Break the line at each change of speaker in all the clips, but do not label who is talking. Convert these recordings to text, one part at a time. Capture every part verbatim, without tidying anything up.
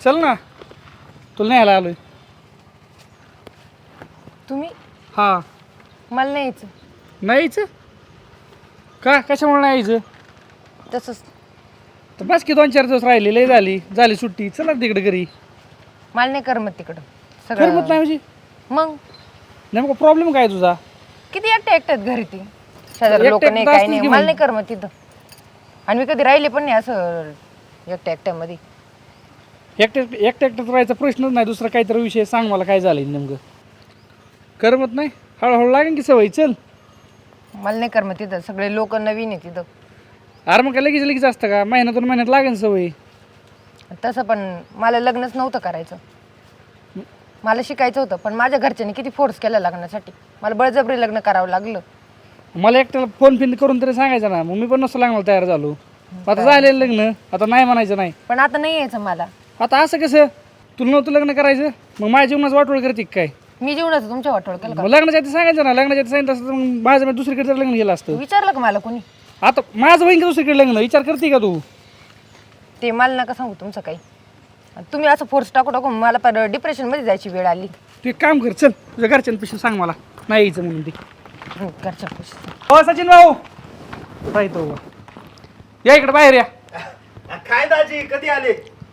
चल ना तुला न्यायला आलोय.
तुम्ही
हा
मला नाही यायचं.
नाही यायचं का? कशामुळे नाही यायचं?
तसंच
तर बस की दोन चार दिवस राहिले लय झाली झाली सुट्टी. चला तिकडे घरी.
मला नाही करमत तिकडं
करमत नाही म्हणजे
मग
नेमका प्रॉब्लेम काय तुझा?
किती एकटे एकट्यात घरी ती शेजारी लोक
एकटे
नाही
एकटे
काही
असतील
नाही
की
मला
मग.
नाही करमत तिथं. आणि मी कधी राहिले पण नाही असं एकट्या एकट्यामध्ये.
एकट्या एकट्या एकट्यात राहायचा प्रश्नच नाही. दुसरा काहीतरी विषय सांग मला काय झालं नेमकं. करमत नाही? हळूहळू लागेल की सवय. चल.
मला नाही करमत तिथं. सगळे लोक नवीन आहे तिथं.
अरे मग काय लगेच लगेच असतं का? महिन्यातून महिन्यात लागेल सवय.
तसं पण मला लग्नच नव्हतं करायचं. मला शिकायचं होतं पण माझ्या घरच्यांनी किती फोर्स केला लग्नासाठी. मला बळजबरी लग्न करावं लागलं.
मला एकट्याला फोन फिन करून तरी सांगायचं ना. मग मी पण नसतं लागणार तयार झालो. आता झालेलं लग्न. आता नाही म्हणायचं नाही.
पण आता नाही यायचं मला.
आता असं कसं? तुला नव्हतं लग्न करायचं मग माझ्या जीवनाचं वाटोळ करते काय?
मी जीवनाचं तुमच्या वाटोळ केलं का?
मग लग्नाच्या आधी सांगायचं ना. लग्नाच्या आधी सांगितलं असतं तर मग माझं मी दुसरीकडे लग्न गेलं असतं.
विचारलं का मला कोणी?
आता माझं होईन का दुसरीकडे लग्न? विचार करते का तू?
ते मला नका सांगू तुमचं काही. तुम्ही असं फोर्स टाकू टाकू मला पर डिप्रेशनमध्ये जायची वेळ आली.
तू एक काम कर. चल तुझ्या घरच्यांपेक्षा सांग मला नाही यायचं म्हणून ते.
हं, घरच्या खुश.
हो सचिन भाऊ राहतो या इकडे बाहेर या.
काय दाजी कधी आले?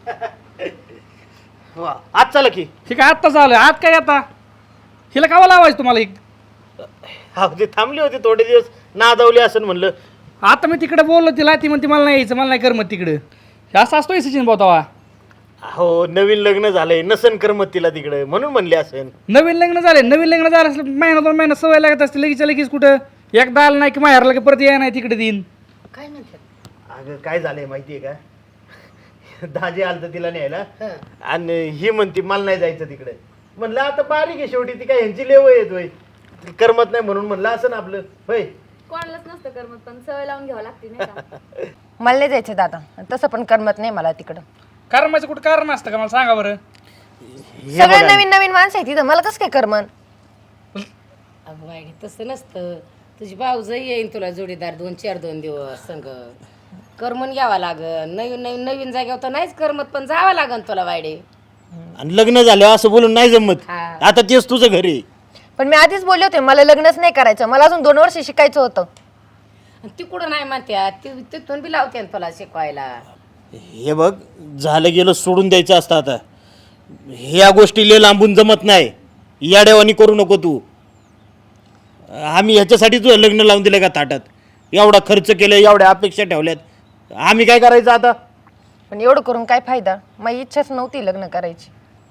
वा, आज चला की.
ठीक आहे आत्ताच आलं. आत काय आता हिला कावा लावायचं तुम्हाला एक?
हा ते थांबली होती थोडे दिवस नादावली असं म्हणलं.
आता मी तिकडे बोललो तिला. ती म्हणते मला नाही यायचं मला नाही करमत तिकडं. हे असं असतोय सचिन भाऊ तवा.
हो नवीन लग्न झालंय नसन करमत तिला तिकडे म्हणून म्हणले असेल.
नवीन लग्न झाले. नवीन लग्न झालं असलं महिना दोन महिना सवय लागत असते. लगेच लगेच कुठं एकदा आलं नाही की माहेरला की परत याय नाही तिकडे देईन.
काय म्हणतात?
अगं काय झालंय माहितीये का? दाजी आलत तिला न्यायला आणि ही म्हणती मला नाही जायचं तिकडे. म्हणलं आता बारीक आहे शेवटी ती काय ह्यांची लेव येतोय करमत नाही म्हणून म्हणलं असं ना आपलं होय.
कोणालाच नसतं करमत पण सवय लावून घ्यावं लागते नाही का?
मला नाही जायचं दादा. तसं पण करमत नाही मला तिकडं.
करमायचं कुठं कारण असतं का मला सांगा बरं.
हे
सगळे
बघा,
नवीन नवीन माणसं आहे तिथं. मला कसं काय करमन?
अगं बाई तसं नसतं. तुझी भाऊजही येईन तुला जोडीदार दोन चार दोन दिवस संग करमून घ्यावा लागन. नवीन नवीन नवीन जागेवर तर नाहीच करमत पण जावं लागन तुला वाडे.
आणि लग्न झालं असं बोलून नाही जमत.
हा.
आता तेच तुझं घर आहे.
पण मी आधीच बोलले होते मला लग्नच नाही करायचं. मला अजून दोन वर्ष शिकायचं होतं.
ती कुठं नाही म्हणत्या ती तिथून बी लावते ना तुला शिकवायला.
हे बघ झालं गेलं सोडून द्यायचं असतं. आता ह्या गोष्टी लय लांबून जमत नाही. याडेवानी करू नको तू. आम्ही ह्याच्यासाठी तुझं लग्न लावून दिलं का ताटात? एवढा खर्च केला एवढ्या अपेक्षा ठेवल्यात. आम्ही काय करायचं आता?
पण एवढं करून काय फायदा? माझी इच्छाच नव्हती लग्न करायची.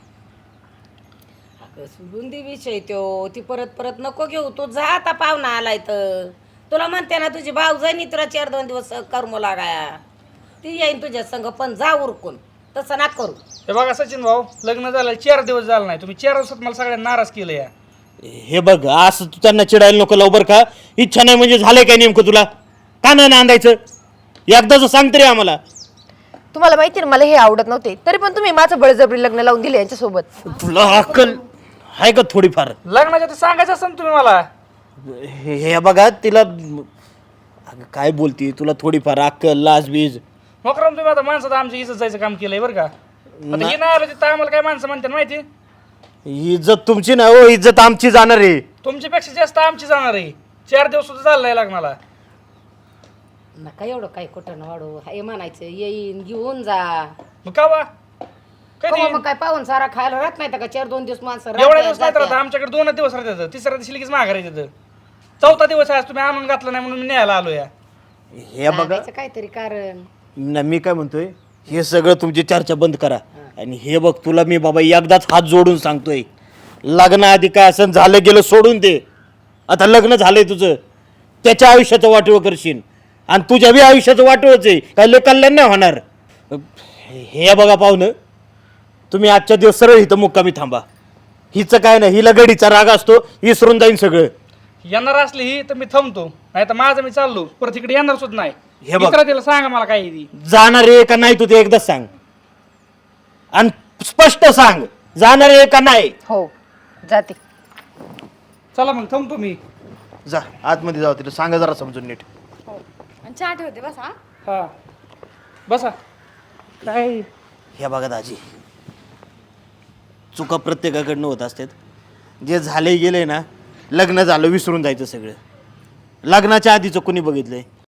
अगं सोडून दे विषय तो. ती परत परत नको घेऊ. तू जा आता पाहुणा आलाय तर. तुला म्हणते ना तुझी भाऊजाईनी तुला चार दोन दिवस करमू लागाया. ती येईन तुझ्या संग पण जा उरकून. तसं ना करू.
हे बघा सचिन भाऊ लग्न झालं चार दिवस झालं नाही. तुम्ही चार दिवसात मला सगळ्यांना नाराज केलं या.
हे बघ असं तू त्यांना चिडायला नको लवकर का? इच्छा नाही म्हणजे झालंय काय नेमकं तुला? का नाही नांदायचं? एकदाच सांग तरी आम्हाला.
तुम्हाला माहिती ना मला हे आवडत नव्हते तरी पण तुम्ही माझं बळजबरी लग्न लावून दिले यांच्यासोबत.
तुला अक्कल आहे का थोडीफार?
लग्नाच्या आधी सांगायचं असं तुम्ही मला.
हे हे बघा तिला अगं काय बोलती तुला थोडीफार अक्कल लाज बीज.
मकरम तुम्ही आता माणसाचं आमच्या इज्जत जायचं काम केलंय बरं का. आता हे नाही आलं तिथं आम्हाला काय माणसं म्हणतात माहिती?
इज्जत तुमची ना हो इज्जत आमची जाणार आहे.
तुमच्यापेक्षा जास्त आमची जाणार आहे. चार दिवस सुद्धा झालं नाही लग्नाला.
नका एवढं काय कुठं ना वाढू. हे म्हणायचं येईन घेऊन जा.
मग का वा कधी
कवा मग काय पाहून सारा खायला राहत नाही का? चार दोन दिवस माणसं
एवढ्या
राहत्या,
दिवस नाही राहत.
जात्या.
आमच्याकडे दोन दिवस राहतात. तिसऱ्या दिवशी लगेच माघार येतात. चौथा दिवस आहे आज तुम्ही आणून घातला नाही म्हणून मी न्यायला आलो या.
हे बघा
सांगायचं काहीतरी कारण.
ना मी काय म्हणतोय हे सगळं तुमची चर्चा बंद करा. आणि हे बघ तुला मी बाबा एकदाच हात जोडून सांगतोय लग्नाआधी काय असं झालं गेलं सोडून दे. आता लग्न झालंय तुझं त्याच्या आयुष्याचं वाटोळ करशील आणि तुझ्या बी आयुष्याचं वाटोळच आहे. काय लय कल्याण नाही होणार. हे बघा पाहुणं तुम्ही आजच्या दिवस सरळ इथं मुक्कामी थांबा. हिचं काय नाही हिला गडीचा राग असतो विसरून जाईन सगळं.
येणार असली ही तर मी थांबतो नाही तर माझं मी चाललो परत इकडे येणार सुद्धा नाही.
हे बघ.
इकडे तिला सांगा मला काय आहे ती.
जाणार आहे का नाही तू ते एकदाच सांग आणि स्पष्ट सांग जाणार आहे का नाही.
हो जाते.
चला मग थांबतो मी.
जा आतमध्ये जाऊ तिला सांगा जरा समजून नीट.
आणि चहा ठेवते बस हा.
हा बसा. काय
हे बघा दाजी चुका प्रत्येकाकडनं होत असतात जे झाले गेले ना लग्न झालं विसरून जायचं सगळं लग्नाच्या आधीचं कोणी बघितलंय